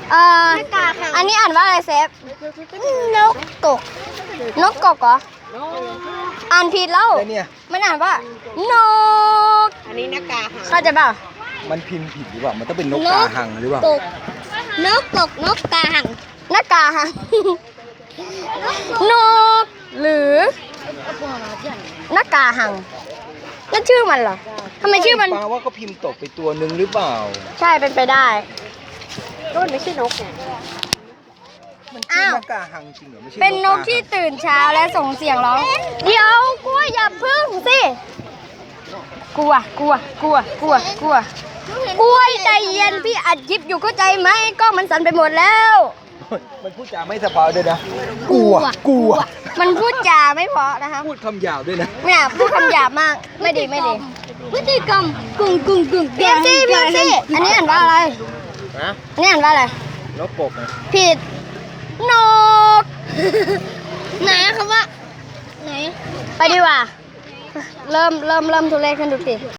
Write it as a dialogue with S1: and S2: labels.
S1: อันนี้อ่านว่าอะไรเซฟนกกกนกกกเหรออ่านผิดแล้วมันอ่านว่านก
S2: อันนี้นกกาหัง
S1: เข้าใจเปล่า
S3: มันพิมพ์ผิดหรือเปล่ามันต้องเป็นนกกาหังหรือเปล่า
S1: นกกกนกกาหังนกกาหังนกหรือนกกาหังนั่นชื่อมันเหรอทำไมชื่อมัน
S3: แปลว่าก็พิมพ์ตกไปตัวหนึ่งหรือเปล่า
S1: ใช่เป็นไปได้
S2: ก็มันไม่ใช่นกไง
S3: มันชื่อนกกาหังจริงเหรอไม่ใช่
S1: เป็นนกที่ตื่นเช้าและส่งเสียงร้องเดี๋ยวกลัวอย่าพึ่งสิกลัวใจเย็นพี่อัดคลิปอยู่เข้าใจไหมกล้องมันสั่นไปหมดแล้ว
S3: มันพูดจาไม่สบายด้วยนะกลัว
S1: มันพูดจาไม่เพราะนะคะ
S3: พูดคำหยาบด้วยนะ
S1: เนี่ยพูดคำหยาบมากไม่ดีพฤติกรรมกึ่งเพี้ยนสิอันนี้อ่านว่าอะไร
S3: นะ
S1: อันนี้อ่านว่าอะไร
S3: นกกกนะ
S1: ผิดนกไหนคำว่าไหนไปดีกว่าเริ่มทุเรศขึ้นทุกที